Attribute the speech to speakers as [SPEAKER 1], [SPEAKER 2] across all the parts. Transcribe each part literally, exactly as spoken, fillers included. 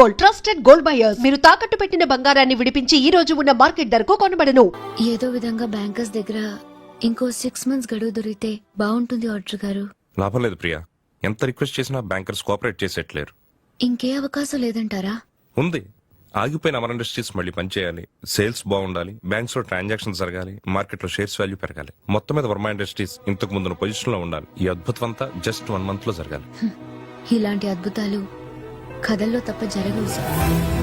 [SPEAKER 1] Gold, trusted gold buyers. మీరు తాకట్టు పెట్టిన బంగారాన్ని విడిపించి ఈ రోజు ఉన్న మార్కెట్ ధరకు కొనబడను.
[SPEAKER 2] ఏదో విధంగా బ్యాంకర్స్ దగ్గర ఇంకో సిక్స్ మంత్స్ గడువు దొరికితే బాగుంటుంది ఆర్డర్ గారు.
[SPEAKER 3] లాభం లేదు ప్రియా, ఎంత రిక్వెస్ట్ చేసినా బ్యాంకర్స్ కోఆపరేట్ చేసేట్లేరు.
[SPEAKER 2] ఇంకే అవకాశం లేదంటారా?
[SPEAKER 3] ఉంది. ఆగిపోయిన అమర్ ఇండస్ట్రీస్ మళ్ళీ పనిచేయాలి, సేల్స్ బాగుండాలి, బ్యాంక్స్ లో ట్రాన్సాక్షన్ జరగాలి, మార్కెట్ లో షేర్స్ వాల్యూ పెరగాలి. మొత్తం మీద వర్మ ఇండస్ట్రీస్ ఇంతకు ముందున్న పొజిషన్ లో ఉండాలి. ఈ అద్భుతం అంతా జస్ట్ వన్ మంత్ లో జరగాలి.
[SPEAKER 2] ఇలాంటి అద్భుతాలు కథల్లో తప్ప జరగవు సార్.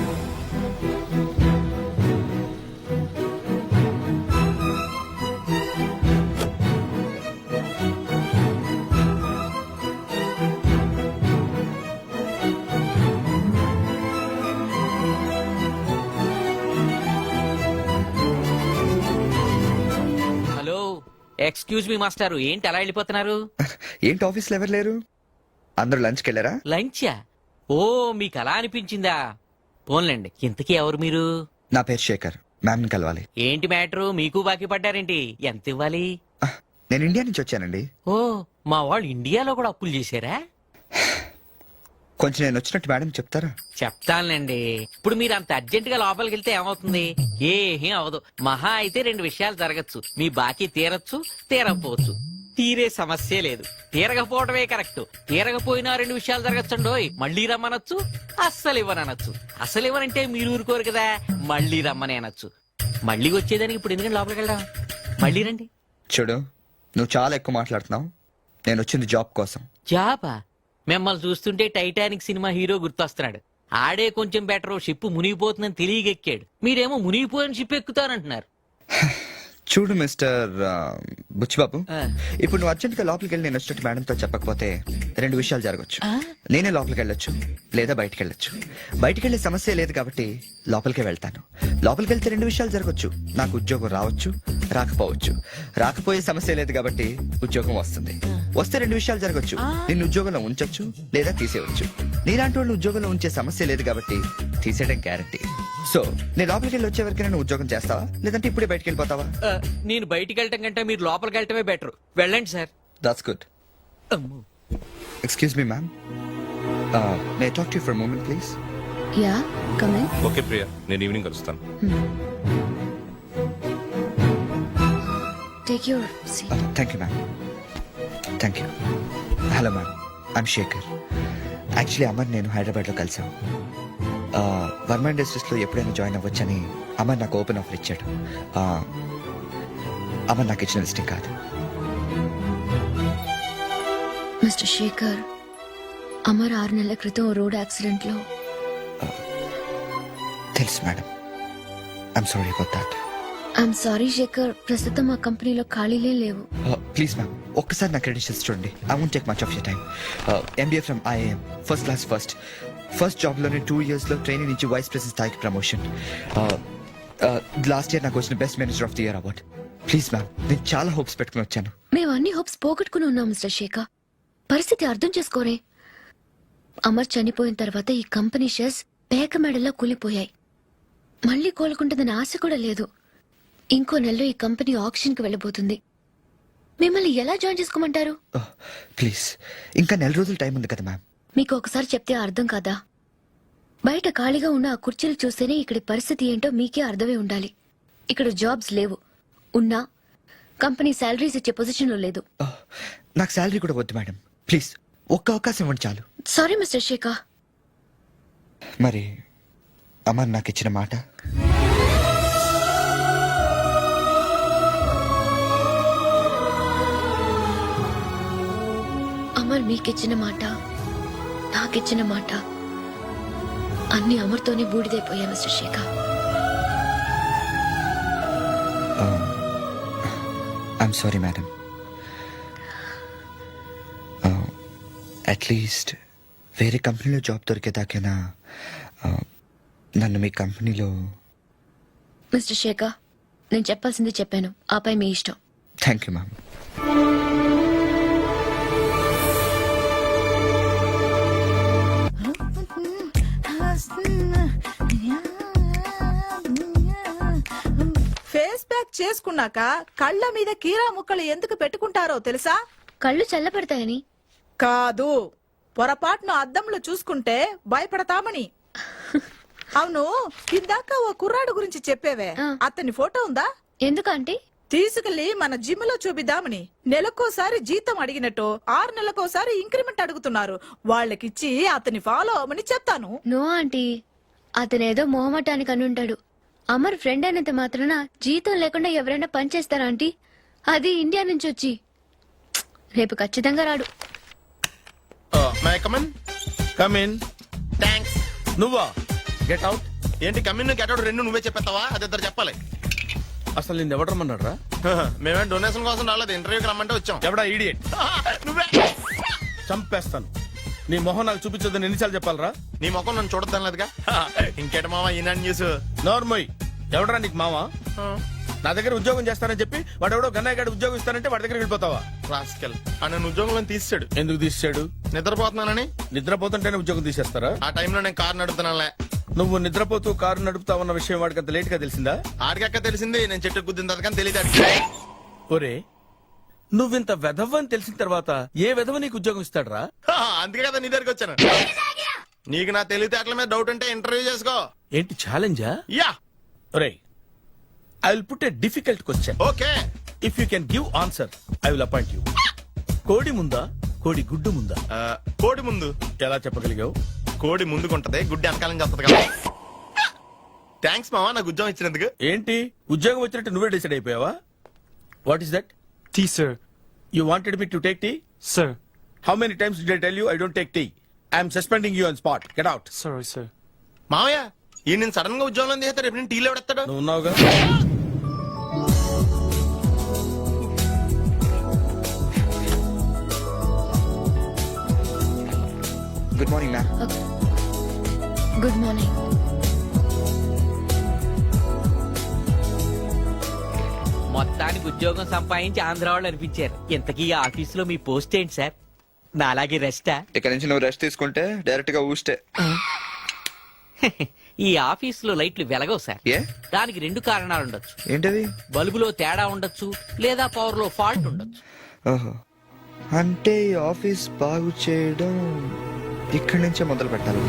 [SPEAKER 4] హలో, ఎక్స్క్యూజ్ మీ మాస్టారు, ఏంటి అలా వెళ్ళిపోతున్నారు?
[SPEAKER 5] ఏంటి ఆఫీస్ లో ఎవరు లేరు? అందరూ లంచ్ కి వెళ్ళారా?
[SPEAKER 4] లంచా? ఓ, మీకు అలా అనిపించిందా? పోన్లేండి. ఇంతకీ ఎవరు మీరు?
[SPEAKER 5] నా పేరు శేఖర్, మ్యామ్ ని కలవాలి.
[SPEAKER 4] ఏంటి మ్యాటరు? మీకు బాకీ పడ్డారేంటి? ఎంత ఇవ్వాలి?
[SPEAKER 5] ఆహ్, నేను ఇండియా నుంచి వచ్చానండి.
[SPEAKER 4] ఓ, మా వాళ్ళు ఇండియాలో కూడా అప్పులు చేశారా?
[SPEAKER 5] కొంచెం నేను వచ్చినట్టు మేడం చెప్తారా?
[SPEAKER 4] చెప్తానులేండి. ఇప్పుడు మీరు అంత అర్జెంట్ గా లోపలికి వెళ్తే ఏమవుతుంది? ఏమీ అవదు. మహా అయితే రెండు విషయాలు జరగచ్చు. మీ బాకీ తీరచ్చు, తీరకపోవచ్చు. తీరే సమస్య లేదు, తీరకపోవడమే కరెక్ట్. తీరకపోయినా రెండు విషయాలు జరగచ్చండోయ్. మళ్ళీ రమ్మనొచ్చు, అస్సలు ఇవ్వనొచ్చు. అసలు ఇవ్వనంటే మీరు ఊరుకోరు కదా, మళ్ళీ రమ్మని అనొచ్చు. మళ్ళీ వచ్చేదానికి ఇప్పుడు ఎందుకంటే లోపలికి వెళ్దాం. మళ్ళీ రండి.
[SPEAKER 5] చూడు, నువ్వు చాలా ఎక్కువ మాట్లాడుతున్నావు. నేను వచ్చింది జాబ్ కోసం.
[SPEAKER 4] జాబా? మిమ్మల్ని చూస్తుంటే టైటానిక్ సినిమా హీరో గుర్తొస్తున్నాడు. ఆడే కొంచెం బెటర్, షిప్ మునిగిపోతుందని తెలియగెక్కాడు. మీరేమో మునిగిపోయిన షిప్ ఎక్కుతానంటున్నారు.
[SPEAKER 5] చూడు మిస్టర్ బుచ్చిబాబు,
[SPEAKER 4] ఆ.
[SPEAKER 5] ఇప్పుడు నువ్వు అర్జెంట్ గా లోపలికి వెళ్ళి నేను వచ్చినట్టు మేడంతో చెప్పకపోతే రెండు విషయాలు జరగచ్చు.
[SPEAKER 4] ఆ?
[SPEAKER 5] నేనే లోపలికి వెళ్ళొచ్చు, లేదా బయటికి వెళ్ళొచ్చు. బయటికి వెళ్ళే సమస్య లేదు కాబట్టి లోపలికే వెళ్తాను. లోపలికి వెళ్తే రెండు విషయాలు జరగచ్చు. నాకు ఉద్యోగం రావచ్చు, రాకపోవచ్చు. రాకపోయే సమస్య లేదు కాబట్టి ఉద్యోగం వస్తుంది. వస్తే రెండు విషయాలు జరగచ్చు. నిన్ను ఉద్యోగంలో ఉంచొచ్చు, లేదా తీసేయవచ్చు. నీలాంటి వాళ్ళు ఉద్యోగంలో ఉంచే సమస్య లేదు కాబట్టి తీసేయడం గ్యారంటీ. సో నేను లోపలికి వెళ్ళి వచ్చే వరకు నేను ఉద్యోగం చేస్తావా, లేదంటే ఇప్పుడే బయటికి వెళ్ళిపోతావా?
[SPEAKER 4] ఆ, నేను బయటికి వెళ్ళటం కంటే మీరు లోపలికి వెళ్ళటమే బెటర్. వెళ్ళండి sir.
[SPEAKER 5] That's good. Excuse me ma'am, may talk to you for a moment please?
[SPEAKER 2] Ya, come in.
[SPEAKER 3] Okay Priya, నేను ఈవినింగ్ కలుస్తాను.
[SPEAKER 2] Take your seat.
[SPEAKER 5] Thank you ma'am, thank you. Hello ma'am, I'm Shekhar. Actually Amar నేను హైదరాబాద్లో కలిసాం. వర్మ ఇండస్ట్రీస్లో ఎప్పుడైనా join అవ్వచ్చని అమర్ నాకు open offer ఇచ్చాడు. Uh, Amar నాకు ఇచ్చిన లిస్టింగ్ కాదు.
[SPEAKER 2] మిస్టర్ శేఖర్, అమర్ ఆరు నెలల క్రితం రోడ్ యాక్సిడెంట్ లో.
[SPEAKER 5] తెలుసు madam, I'm sorry about that.
[SPEAKER 2] I'm sorry Shekhar, ప్రస్తుతం మా కంపెనీలో ఖాళీలే లేవు.
[SPEAKER 5] ప్లీజ్ మ్యామ్, ఒక్కసారి నా క్రెడిట్స్ చూడండి. I won't take much of your time. MBA from IIM, first class first. First జాబ్లోనే టూ ఇయర్స్లో ట్రైనింగ్ నుంచి వైస్ ప్రెసిడెంట్ స్థాయికి ప్రమోషన్. లాస్ట్ ఇయర్ నాకు వచ్చిన best manager of the year award. Please ma'am, నేను చాలా హోప్స్ పెట్టుకుని వచ్చాను.
[SPEAKER 2] మేము అన్ని హోప్స్ పోగొట్టుకుని ఉన్నాం మిస్టర్ శేఖర్. పరిస్థితి అర్థం చేసుకోరే. అమర్ చనిపోయిన తర్వాత ఈ కంపెనీ షేర్స్ పేక మెడల్లో కూలిపోయాయి. మళ్ళీ కోలుకుంటుందని ఆశ కూడా లేదు. ఇంకో నెలలో ఈ కంపెనీ ఆక్షన్ కి వెళ్ళబోతుంది. మిమ్మల్ని ఎలా జాయిన్ చేసుకోమంటారు?
[SPEAKER 5] ప్లీజ్, ఇంకా నెల రోజులు టైం ఉంది కదా మ్యామ్.
[SPEAKER 2] మీకు ఒకసారి చెప్తే అర్థం కాదా? బయట ఖాళీగా ఉన్న ఆ కుర్చీలు చూస్తేనే ఇక్కడి పరిస్థితి ఏంటో మీకే అర్థమై ఉండాలి. ఇక్కడ జాబ్స్ లేవు, ఉన్నా కంపెనీ శాలరీస్ ఇచ్చే పొజిషన్ లో లేదు.
[SPEAKER 5] Oh, నాకు శాలరీ కూడా వద్దు మేడం, ప్లీజ్ ఒక్క అవకాశం ఇవ్వండి చాలు.
[SPEAKER 2] Sorry mister Shekhar.
[SPEAKER 5] మరి అమర్ నాకు ఇచ్చిన మాట?
[SPEAKER 2] అమర్ మీకిచ్చిన మాట, నాకిచ్చిన మాట అన్ని అమర్తోనే బూడిదైపోయా mister Shekhar.
[SPEAKER 5] I'm sorry madam. At least వేరే కంపెనీలో జాబ్ దొరికేదాకైనా uh, నన్ను మీ కంపెనీలో.
[SPEAKER 2] మిస్టర్ శేఖర్, నేను చెప్పాల్సింది చెప్పాను, ఆపై మీ ఇష్టం.
[SPEAKER 5] Thank you ma'am.
[SPEAKER 6] Face pack చేసుకున్నాక కళ్ళ మీద కీరా ముక్కలు ఎందుకు పెట్టుకుంటారో తెలుసా?
[SPEAKER 2] కళ్ళు చల్లబడతాయని
[SPEAKER 6] కాదు, పొరపాటును అద్దంలో చూసుకుంటే భయపడతామని. అవును, ఇందాక ఓ కుర్రాడు గురించి చెప్పేవే,
[SPEAKER 2] ఆ.
[SPEAKER 6] అతని ఫోటో ఉందా?
[SPEAKER 2] ఎందుకు ఆంటీ?
[SPEAKER 6] తీసుకెళ్లి మన జిమ్ లో చూపిద్దామని. నెలకోసారి జీతం అడిగినట్టు ఆరు నెలకోసారి ఇంక్రిమెంట్ అడుగుతున్నారు. వాళ్ళకిచ్చి అతని ఫాలో అవ్వమని చెప్తాను.
[SPEAKER 2] నో ఆంటీ, అతనేదో మొహమాటానికి అనుంటాడు. అమర్ ఫ్రెండ్ అయినంత మాత్రాన జీతం లేకుండా ఎవరైనా పని చేస్తారా ఆంటీ? అది ఇండియా నుంచి వచ్చి. రేపు ఖచ్చితంగా రాడు.
[SPEAKER 7] May come on come in
[SPEAKER 8] thanks.
[SPEAKER 7] నువ్వా గెట్ అవుట్.
[SPEAKER 8] ఏంటి కమ్యూన్ గెట్ అవుట్ రెండు నువ్వే చెప్పేస్తావా? అది ఇద్దరు చెప్పాలి.
[SPEAKER 7] అసలు నేను ఎవడు రమ్మన్నాడు రా?
[SPEAKER 8] మేమే డొనేషన్ కోసం రాలేదు, ఇంటర్వ్యూకి రమ్మంటే వచ్చాం.
[SPEAKER 7] ఎవడా ఈడియట్?
[SPEAKER 8] నువ్వే.
[SPEAKER 7] చంపేస్తాను. నీ మొహం నాకు చూపించొద్దని ఎన్నిసార్లు చెప్పాలరా?
[SPEAKER 8] నీ ముఖం నన్ను చూడద్దాం లేదుగా. ఇంకేట మావా ఈనాడు న్యూస్.
[SPEAKER 7] నోర్మోయ్, ఎవడరా నీకు మావా? నా దగ్గర ఉద్యోగం చేస్తానని చెప్పి వాడు ఎవడో గన్నయ్య గారి ఉద్యోగం ఇస్తానంటే వాడి దగ్గర వెళ్ళిపోతావా?
[SPEAKER 8] రాస్కెల్ ఆ నన్ను ఉద్యోగంలో తీసాడు.
[SPEAKER 7] ఎందుకు తీసాడు?
[SPEAKER 8] నిద్రపోతున్నానని.
[SPEAKER 7] నిద్రపోతుంటేనే ఉద్యోగం తీసేస్తారా?
[SPEAKER 8] ఆ టైంలో నేను కారు నడుపుతున్నానులే.
[SPEAKER 7] నువ్వు నిద్రపోతూ కారు నడుపుతావన్న విషయం వాడికి అంత లేట్ గా తెలిసిందా?
[SPEAKER 8] ఆడికక్క తెలిసింది, నేను చెట్టు గుద్దిన తర్వాత కానీ తెలియదు ఆడికి.
[SPEAKER 7] ఒరే, నువ్వింత వెధవ్ అని తెలిసిన తర్వాత ఏ వెధవ నీకు ఉద్యోగం ఇస్తాడరా?
[SPEAKER 8] అందుకే కదా నీ దగ్గరికి వచ్చాను. నీకు నా తెలివితేటల మీద డౌట్ ఉంటే ఇంటర్వ్యూ చేసుకో.
[SPEAKER 7] ఏంటి ఛాలెంజా?
[SPEAKER 8] యా
[SPEAKER 7] ఒరే, I will put a difficult question.
[SPEAKER 8] Okay.
[SPEAKER 7] If you can give answer I will appoint you. కోడి ముందా కోడి గుడ్డు ముందా?
[SPEAKER 8] ఆ, కోడి ముందు.
[SPEAKER 7] ఎలా చెప్పగలిగావు?
[SPEAKER 8] కోడి ముందుకుంటది, గుడ్డి వెనకాలని చేస్తుంది కదా. థ్యాంక్స్ మావా నాకు ఉద్యోగం ఇచ్చినందుకు.
[SPEAKER 7] ఏంటి ఉద్యోగం వచ్చినట్టు నువ్వే డిసైడ్ అయిపోయావా? What is that?
[SPEAKER 9] Tea, sir.
[SPEAKER 7] You wanted me to take tea?
[SPEAKER 9] Sir.
[SPEAKER 7] How many times did I tell you I don't take tea? I'm suspending you on spot. Get out.
[SPEAKER 9] Sorry, sir.
[SPEAKER 8] మావయ్య ఈ నేను sudden గా ఉద్యోగంలో తీస్తాడు, రేపు నేను టీలో పెడతాడు.
[SPEAKER 7] నువ్వు ఉన్నావుగా.
[SPEAKER 5] Good morning ma'am.
[SPEAKER 2] Good morning.
[SPEAKER 4] మొత్తానికి ఉద్యోగం సంపాదించి ఆంధ్ర వాళ్ళు అనిపించారు. ఇంతకీ ఈ ఆఫీసులో మీ పోస్ట్ ఏంటి సార్? నా అలాగే రెస్టా?
[SPEAKER 5] ఇక్కడ నుంచి నువ్వు రెస్ట్ తీసుకుంటే డైరెక్ట్ గా ఊస్తే.
[SPEAKER 4] ఈ ఆఫీసులో లైట్లు వెలగవు సార్.
[SPEAKER 5] ఏ?
[SPEAKER 4] దానికి రెండు కారణాలు ఉండొచ్చు.
[SPEAKER 5] ఏంటది?
[SPEAKER 4] బల్బులో తేడా ఉండొచ్చు, లేదా పవర్ లో ఫాల్ట్ ఉండొచ్చు.
[SPEAKER 5] ఓహో, అంటే ఈ ఆఫీస్ బాగు చేయడం ఇక్కడి నుంచే మొదలు పెట్టాలి.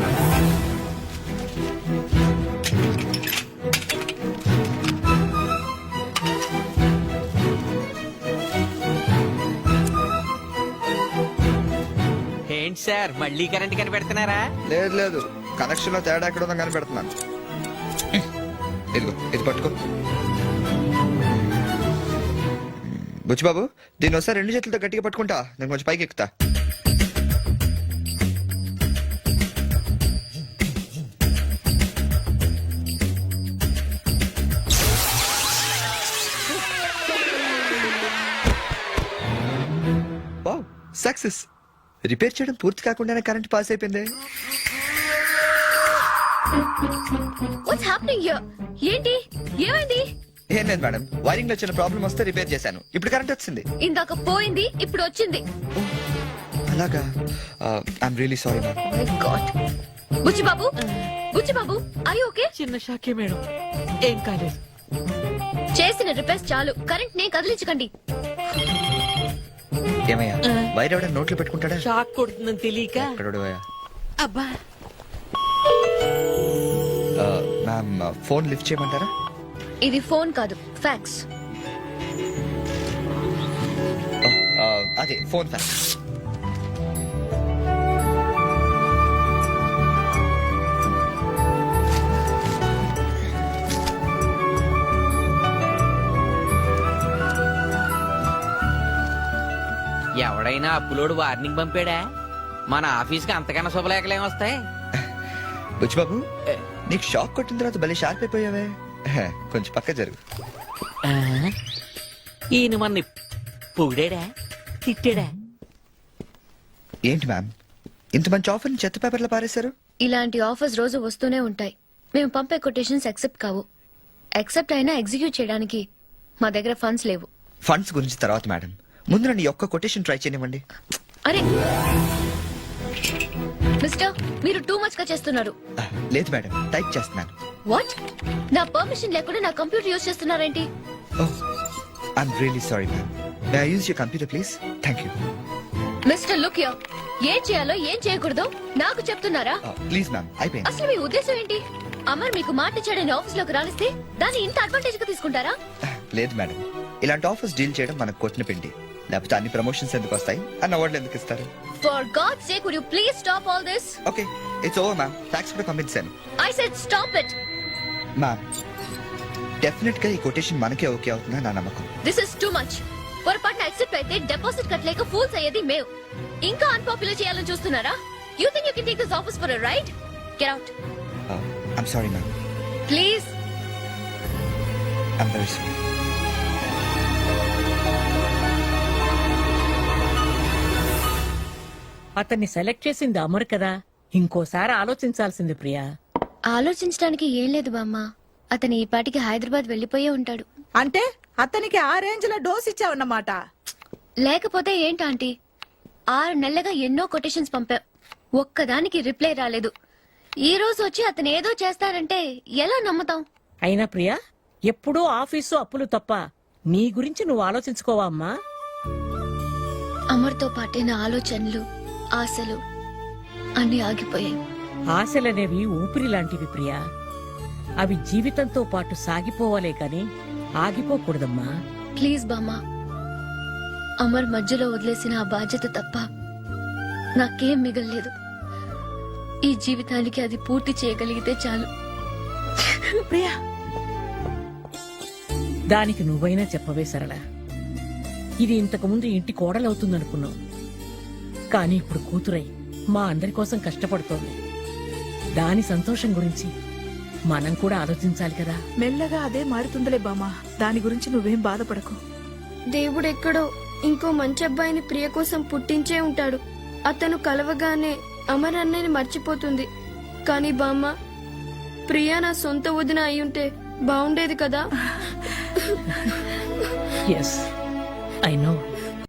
[SPEAKER 4] ఏంటి సార్ మళ్ళీ కరెంట్ కనిపెడుతున్నారా?
[SPEAKER 5] లేదు లేదు, కనెక్షన్ లో తేడా ఎక్కడ ఉందని కనిపెడుతున్నాను. ఇదిగో ఇది పట్టుకో. బుచ్చిబాబు, దీన్ని ఒకసారి రెండు చేతులతో గట్టిగా పట్టుకుంటా, నేను కొంచెం పైకి ఎక్కుతా. Wow, success. రిపేర్ చేయడం పూర్తి కాకుండానే కరెంట్ పాస్ అయిపోయింది.
[SPEAKER 2] What's happening here? ఏంటి ఏమైంది?
[SPEAKER 5] ఏం లేదు మేడం, వైరింగ్ లో చిన్న ప్రాబ్లం వస్తే రిపేర్ చేశాను, ఇప్పుడు కరెంట్ వచ్చింది.
[SPEAKER 2] ఇందాక పోయింది, ఇప్పుడు వచ్చింది.
[SPEAKER 5] అలాగా? I'm really sorry ma'am.
[SPEAKER 2] My God. Buchi Babu, Buchi Babu, I okay?
[SPEAKER 4] చిన్న షాకే మేడం, ఏం కాలేదు.
[SPEAKER 2] చేసిన రిపేర్స్ చాలు, కరెంట్ నే కదిలించకండి.
[SPEAKER 5] ఏమయ్యా, వైర్ ఎవడైనా నోట్లో పెట్టుకుంటాడా?
[SPEAKER 4] షాక్ కొడుతుందని తెలియక.
[SPEAKER 5] ఎక్కడోడు అయ్యా?
[SPEAKER 4] అబ్బా,
[SPEAKER 5] మ్యామ్, ఫోన్ లిఫ్ట్ చేయమంటారా?
[SPEAKER 2] ఇది ఫోన్ కాదు, ఫ్యాక్స్.
[SPEAKER 5] అదే ఫోన్ ఫ్యాక్స్.
[SPEAKER 4] ఎవడైనా అప్పులోడు వార్నింగ్ పంపాడా? మన ఆఫీస్ కి అంతకన్నా శుభలేఖలేం వస్తాయి?
[SPEAKER 5] బుచ్చిబాబు, నీకు షాక్ కొట్టిన తర్వాత భలే షార్ప్ అయిపోయావే. కొంచెం పక్క జరుగు.
[SPEAKER 4] ఆ? ఈయన మన పొగిడాడా తిట్టాడా?
[SPEAKER 5] ఏంటి మ్యామ్, ఇంత మంచి ఆఫర్ చెత్త పేపర్లో పారేశారు?
[SPEAKER 2] ఇలాంటి ఆఫర్స్ రోజు వస్తూనే ఉంటాయి. మేము పంపే కొటేషన్స్ యాక్సెప్ట్ కావు. యాక్సెప్ట్ అయినా ఎగ్జిక్యూట్ చేయడానికి మా దగ్గర ఫండ్స్ లేవు.
[SPEAKER 5] ఫండ్స్ గురించి తర్వాత మేడం, ముందు నన్ను ఈ ఒక్క కొటేషన్ ట్రై చేయనివ్వండి.
[SPEAKER 2] అరే మిస్టర్, మీరు టూ మచ్ గా చేస్తున్నారు.
[SPEAKER 5] ఆ, లేదు మేడం, టైప్ చేస్తున్నాను.
[SPEAKER 2] వాట్? నా పర్మిషన్ లేకుండా నా కంప్యూటర్ యూజ్ చేస్తున్నారేంటి?
[SPEAKER 5] I'm really sorry ma'am. May I use your computer please? Thank you.
[SPEAKER 2] Mister look యో, ఏం చేయాలో ఏం చేయకూడదో నాకు చెప్తున్నారా?
[SPEAKER 5] ప్లీజ్ మ్యామ్ అయిపోయింది.
[SPEAKER 2] అసలు మీ ఉద్దేశం ఏంటి? అమర్ మీకు మాట ఇచ్చాడని ఆఫీస్ లోకి రానిస్తే దాన్ని ఇంత అడ్వాంటేజ్ గా తీసుకుంటారా?
[SPEAKER 5] లేదు మేడం, ఇలాంటి ఆఫర్స్ డీల్ చేయడం మనకు కొట్టిన పిండి. లేకపోతే అన్ని ప్రమోషన్స్ ఎందుకు వస్తాయి, అన్న అవార్డులు ఎందుకు ఇస్తారు?
[SPEAKER 2] For God sake would you please stop all this?
[SPEAKER 5] Okay it's over ma'am, fax కూడా పంపించాను.
[SPEAKER 2] I said stop it.
[SPEAKER 5] Ma'am definite గా ఈ కొటేషన్ మనకే ఓకే అవుతుందని నా నమ్మకం.
[SPEAKER 2] This is too much. పొరపాటున యాక్సెప్ట్ అయితే డిపాజిట్ కట్టలేక ఫూల్స్ అయ్యేది మేము. ఇంకా అన్పాపులర్ చేయాలని చూస్తున్నారా? You think you can take this office for a ride? Get out
[SPEAKER 5] I'm sorry ma'am,
[SPEAKER 2] please.
[SPEAKER 5] I'm very sorry.
[SPEAKER 6] అతన్ని సెలెక్ట్ చేసింది అమర్ కదా, ఇంకోసారి ఆలోచించాల్సింది ప్రియా.
[SPEAKER 2] ఆలోచించడానికి ఏం లేదు బామ్మ. అతను ఈ పాటికి హైదరాబాద్ వెళ్లిపోయే ఉంటాడు.
[SPEAKER 6] అంటే అతనికి ఆ రేంజ్ లో డోస్ ఇచ్చావన్నమాట.
[SPEAKER 2] లేకపోతే ఏంటాంటీ, ఆరు నెలలుగా ఎన్నో కొటేషన్స్ పంపా, ఒక్కదానికి రిప్లై రాలేదు. ఈ రోజు వచ్చి అతను ఏదో చేస్తారంటే ఎలా నమ్ముతాం?
[SPEAKER 6] అయినా ప్రియా, ఎప్పుడూ ఆఫీసు అప్పులు తప్ప నీ గురించి నువ్వు ఆలోచించుకోవా అమ్మా?
[SPEAKER 2] అమర్తో పాటే నా ఆలోచనలు, ఆశలు అన్ని ఆగిపోయాయి.
[SPEAKER 6] ఆశలనేవి ఊపిరి లాంటివి ప్రియా. అవి జీవితంతో పాటు సాగిపోవాలే కాని ఆగిపోకూడదమ్మా.
[SPEAKER 2] ప్లీజ్ బామ్మ, అమర్ మధ్యలో వదిలేసిన ఆ బాధ్యత తప్ప నాకేం మిగల్లేదు. ఈ జీవితానికి అది పూర్తి చేయగలిగితే చాలు.
[SPEAKER 6] ప్రియా, దానికి నువ్వైనా చెప్పవే సరళ. ఇది ఇంతకు ముందు ఇంటి కోడలవుతుందనుకున్నావు, కానీ ఇప్పుడు కూతురై మా అందరి కోసం కష్టపడుతోంది. దాని సంతోషం గురించి మనం కూడా ఆలోచించాలి కదా. మెల్లగా అదే మారుతుందిలే బామ్మ, దాని గురించి నువ్వేం బాధపడకు.
[SPEAKER 9] దేవుడెక్కడో ఇంకో మంచి అబ్బాయిని ప్రియ కోసం పుట్టించే ఉంటాడు. అతను కలవగానే అమర్ అన్నయ్యని మర్చిపోతుంది. కానీ బామ్మ, ప్రియా నా సొంత వదిన అయ్యుంటే బాగుండేది కదా.
[SPEAKER 6] Yes I no.